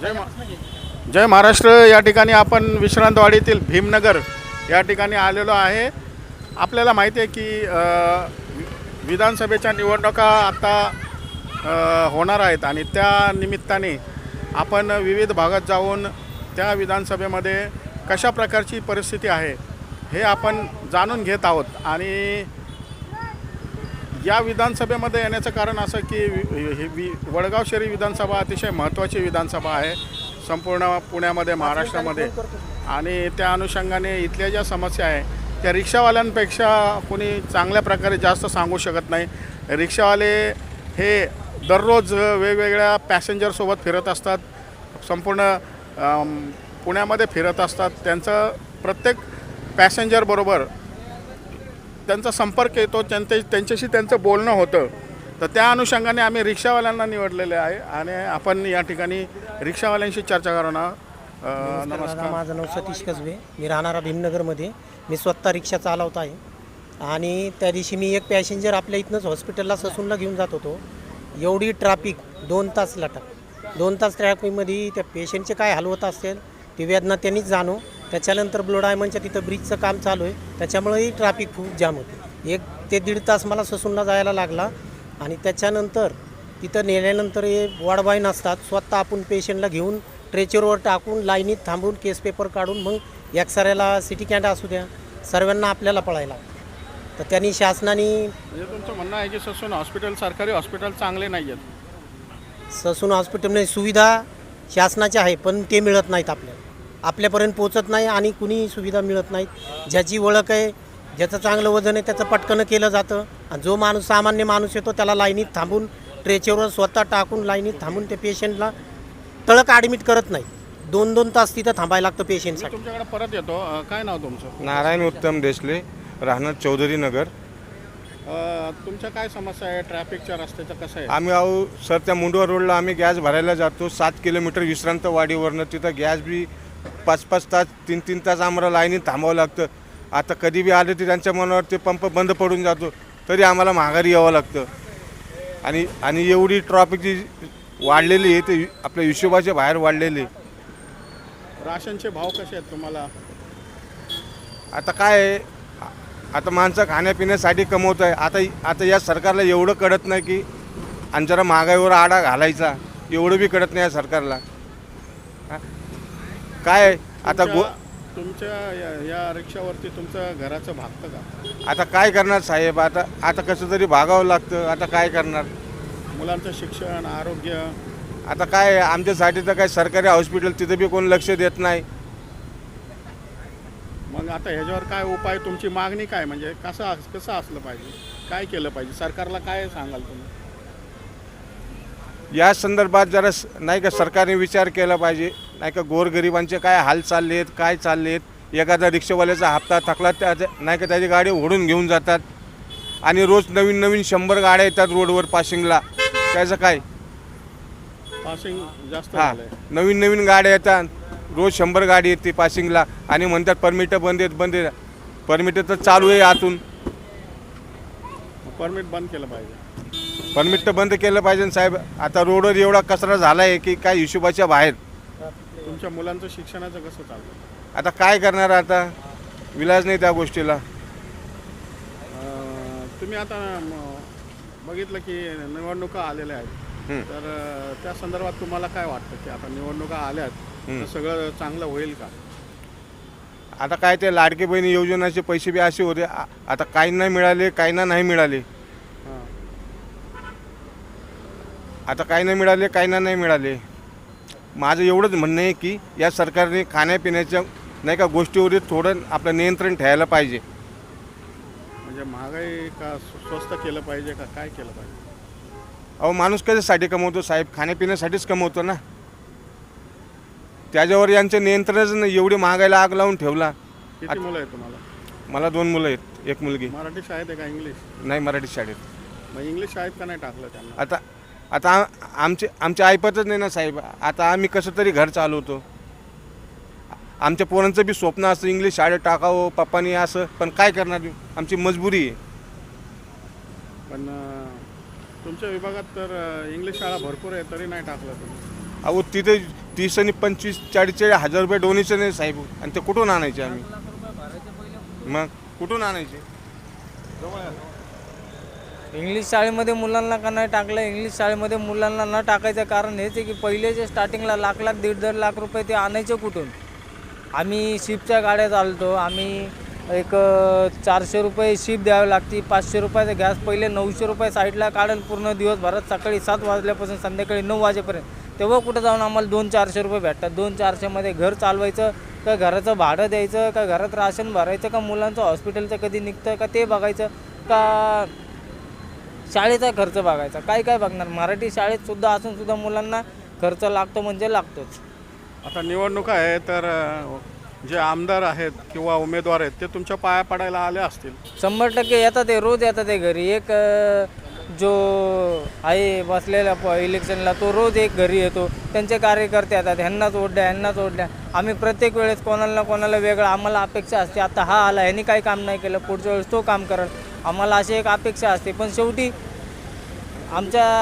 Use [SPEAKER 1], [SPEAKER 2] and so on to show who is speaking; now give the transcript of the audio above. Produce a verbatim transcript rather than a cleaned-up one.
[SPEAKER 1] जय मा जय महाराष्ट्र। या ठिकाणी आपण विश्रांतवाडीतील भीमनगर या ठिकाणी आलेलो आहे। आपल्याला माहिती आहे की अ, विधानसभेच्या निवडणुका आता अ, होणार आहेत आणि त्या निमित्ताने आपण विविध भागात जाऊन त्या विधानसभेमध्ये कशा प्रकारची परिस्थिती आहे हे आपण जाणून घेत आहोत। आणि या विधानसभेमध्ये येण्याचं कारण असं की वि वि वडगाव शहरी विधानसभा अतिशय महत्त्वाची विधानसभा आहे संपूर्ण पुण्यामध्ये, महाराष्ट्रामध्ये। आणि त्या अनुषंगाने इथल्या ज्या समस्या आहे त्या रिक्षावाल्यांपेक्षा कोणी चांगल्या प्रकारे जास्त सांगू शकत नाही। रिक्षावाले हे दररोज वेगवेगळ्या पॅसेंजरसोबत फिरत असतात, संपूर्ण पुण्यामध्ये फिरत असतात। त्यांचं प्रत्येक पॅसेंजरबरोबर त्यांचा संपर्क येतो, त्यांचे त्यांच्याशी त्यांचं बोलणं होतं। तर त्या अनुषंगाने आम्ही रिक्षावाल्यांना निवडलेले आहे आणि आपण या ठिकाणी रिक्षावाल्यांशी चर्चा करणार।
[SPEAKER 2] नमस्कार, माझं नाव सतीश कसबे, मी राहणारा भीमनगरमध्ये। मी स्वतः रिक्षा चालवत आहे आणि त्या दिवशी मी एक पॅसेंजर आपल्या इथनंच हॉस्पिटलला ससूनला घेऊन जात होतो। एवढी ट्रॅफिक, दोन तास लटक दोन तास ट्रॅफिकमध्ये त्या पेशंटचे काय हाल होत असेल ती वेदना त्यांनीच जाणो। त्याच्यानंतर ब्लू डायमंडच्या तिथं ब्रिजचं काम चालू आहे, त्याच्यामुळेही ट्रॅफिक खूप जाम होते। एक ते दीड तास मला ससूनला जायला लागला आणि त्याच्यानंतर तिथं नेल्यानंतर हे वाडबाई नसतात, स्वतः आपण पेशंटला घेऊन ट्रेचरवर टाकून लाईनीत थांबून केस पेपर काढून मग एक्सरेला सिटी कॅन्ड असू द्या सर्वांना आपल्याला पळायला। तर त्यांनी शासनाने
[SPEAKER 1] म्हणजे तुमचं म्हणणं आहे की ससून हॉस्पिटल सरकारी हॉस्पिटल चांगले नाही आहेत?
[SPEAKER 2] ससून हॉस्पिटलमध्ये सुविधा शासनाच्या आहे पण ते मिळत नाहीत, आपल्याला आपल्यापर्यंत पोचत नाही आणि कुणी सुविधा मिळत नाहीत। ज्याची ओळख आहे, ज्याचं चांगलं वजन आहे त्याचं पटकन केलं जातं आणि जो माणूस सामान्य माणूस येतो त्याला लाईनीत थांबून ट्रेचरवर स्वतः टाकून लाईनीत थांबून त्या पेशंटला तळक ॲडमिट करत नाही। दोन दोन तास तिथं थांबायला लागतं पेशंटसाठी।
[SPEAKER 1] तुमच्याकडे परत येतो, काय नाव तुमचं?
[SPEAKER 3] नारायण उत्तम देशले, राहणार चौधरी नगर।
[SPEAKER 1] तुमच्या काय समस्या आहे? ट्रॅफिकच्या रस्त्याचं कसं आहे?
[SPEAKER 3] आम्ही आहो सर त्या मुंडवा रोडला आम्ही गॅस भरायला जातो, सात किलोमीटर विश्रांतवाडीवरनं तिथं गॅस बी पाच पाच तास तीन तीन तास आम्हाला लाईनीत थांबावं लागतं। आता कधी बी आले ते त्यांच्या मनावर ते पंप बंद पडून जातो तरी आम्हाला माघारी यावं लागतं। आणि आणि एवढी ट्रॅफिक जी वाढलेली आहे ते आपल्या हिशोबाच्या बाहेर वाढलेली।
[SPEAKER 1] राशनचे भाव कसे आहेत तुम्हाला?
[SPEAKER 3] आता काय आहे, आता माणसं खाण्यापिण्यासाठी कमवत आहे। आता आता या सरकारला एवढं कळत नाही की आणि जरा महागाईवर आडा घालायचा, एवढं बी कळत नाही या सरकारला। काय आता गो
[SPEAKER 1] तुमच्या या, या रिक्षावरती तुमचं घराचं भागतं का?
[SPEAKER 3] आता काय करणार साहेब, आता आता कसं तरी भागावं लागतं। आता काय करणार?
[SPEAKER 1] मुलांचं शिक्षण, आरोग्य,
[SPEAKER 3] आता काय आमच्यासाठी तर काय सरकारी हॉस्पिटल तिथं बी कोण लक्ष देत नाही।
[SPEAKER 1] मग आता ह्याच्यावर काय उपाय, तुमची मागणी काय? म्हणजे कसं कसं असलं पाहिजे, काय केलं पाहिजे, सरकारला काय सांगाल तुम्ही?
[SPEAKER 3] या संदर्भात जरा नाही का सरकारने विचार केला पाहिजे, नाही का गोरगरिबांचे काय हाल चालले आहेत, काय चालले आहेत। एखादा रिक्षावाल्याचा हप्ता थकला त्या नाही का त्याची गाडी ओढून घेऊन जातात आणि रोज नवीन नवीन शंभर गाड्या येतात रोडवर पासिंगला, त्याचं काय?
[SPEAKER 1] पासिंग जास्त
[SPEAKER 3] हां,
[SPEAKER 1] झालंय।
[SPEAKER 3] नवीन नवीन गाड्या येतात, रोज शंभर गाडी येते पासिंगला आणि म्हणतात परमिट बंद आहेत बंद आहेत। परमिट तर चालू आहे आतून,
[SPEAKER 1] परमिट बंद केलं पाहिजे।
[SPEAKER 3] परमिट तर बंद केलं पाहिजे साहेब। आता रोडवर एवढा कचरा झाला आहे की काय हिशोबाच्या बाहेर।
[SPEAKER 1] तुमच्या मुलांचं शिक्षणाचं कसं चालतं?
[SPEAKER 3] आता काय करणार, आता विलाज नाही त्या गोष्टीला।
[SPEAKER 1] तुम्ही आता म, बघितलं की निवडणुका आलेल्या आहेत, तर अ, त्या संदर्भात तुम्हाला काय वाटतं की आता निवडणुका आल्यात तर सगळं चांगलं होईल का?
[SPEAKER 3] आता काय ते लाडकी बहिणी योजनेचे पैसे बी असे होते, आ- आता काहींना मिळाले काहींना नाही मिळाले।
[SPEAKER 1] हां,
[SPEAKER 3] आता काहींना मिळाले काहींना नाही मिळाले। माझं एवढंच म्हणणं आहे की या सरकारने खाण्यापिण्याच्या नाही का गोष्टीवर थोडं आपलं नियंत्रण ठेवायला पाहिजे।
[SPEAKER 1] म्हणजे महागाई का स्वस्त केलं पाहिजे का काय केलं पाहिजे?
[SPEAKER 3] अहो माणूस कशासाठी कमवतो साहेब? खाण्यापिण्यासाठीच कमवतो ना। त्याच्यावर यांचं नियंत्रणच नाही, एवढी महागाईला आग लावून ठेवला।
[SPEAKER 1] किती मुलं आहेत तुम्हाला?
[SPEAKER 3] मला दोन मुलं आहेत, एक मुलगी।
[SPEAKER 1] मराठी शाळेत आहे का इंग्लिश?
[SPEAKER 3] नाही मराठी शाळेत।
[SPEAKER 1] मग इंग्लिश शाळेत का नाही टाकलं त्यांना?
[SPEAKER 3] आता आता आ- आमचे आमचे ऐपतच नाही ना साहेब। आता आम्ही कसं तरी घर चालवतो। आमच्या पोरांचं बी स्वप्न असतं इंग्लिश शाळेत टाकावं पप्पानी असं, पण काय करणार, आमची मजबुरी आहे।
[SPEAKER 1] पण तुमच्या विभागात तर इंग्लिश शाळा भरपूर आहे तरी नाही टाकलं तुम्ही?
[SPEAKER 3] अहो तिथे तीस आणि पंचवीस चाळीस चाळीस हजार रुपये डोनेशन आहे साहेब, आणि ते कुठून आणायचे आम्ही? मग कुठून आणायचे?
[SPEAKER 4] इंग्लिश शाळेमध्ये मुलांना का नाही टाकलं? इंग्लिश शाळेमध्ये मुलांना न टाकायचं कारण हेच आहे की पहिले जे स्टार्टिंगला लाख लाख दीड दीड लाख रुपये ते आणायचे कुठून? आम्ही शिपच्या गाड्या चालतो, आम्ही एक चारशे रुपये शिप द्यावी लागते, पाचशे रुपयाचा गॅस पहिले नऊशे रुपये साईडला काढेल पूर्ण दिवसभरात, सकाळी सात वाजल्यापासून संध्याकाळी नऊ वाजेपर्यंत. तेव्हा कुठं जाऊन आम्हाला दोन चारशे रुपये भेटतात. दोन चारशेमध्ये घर चालवायचं का घराचं भाडं द्यायचं का घरात राशन भरायचं का मुलांचं हॉस्पिटलचं कधी निघतं का ते बघायचं का शाळेचा खर्च बघायचा? काय काय बघणार? मराठी शाळेत सुद्धा असून सुद्धा मुलांना खर्च लागतो म्हणजे लागतोच.
[SPEAKER 1] आता निवडणुका आहे तर अ, जे आमदार आहेत किंवा उमेदवार आहेत ते तुमच्या पाया पडायला आले असतील.
[SPEAKER 4] शंभर टक्के येतात, ते रोज येतात ते घरी. एक अ, जो आहे बसलेला प इलेक्शनला तो रोज एक घरी येतो, त्यांचे कार्यकर्ते येतात, ह्यांनाच वोट द्या ह्यांनाच वोट द्या. आम्ही प्रत्येक वेळेस कोणाला ना कोणाला वेगळं आम्हाला अपेक्षा असते. आता हा आला, ह्यांनी काही काम नाही केलं, पुढच्या वेळेस तो काम करेल, आम्हाला अशी एक अपेक्षा असते. पण शेवटी आमच्या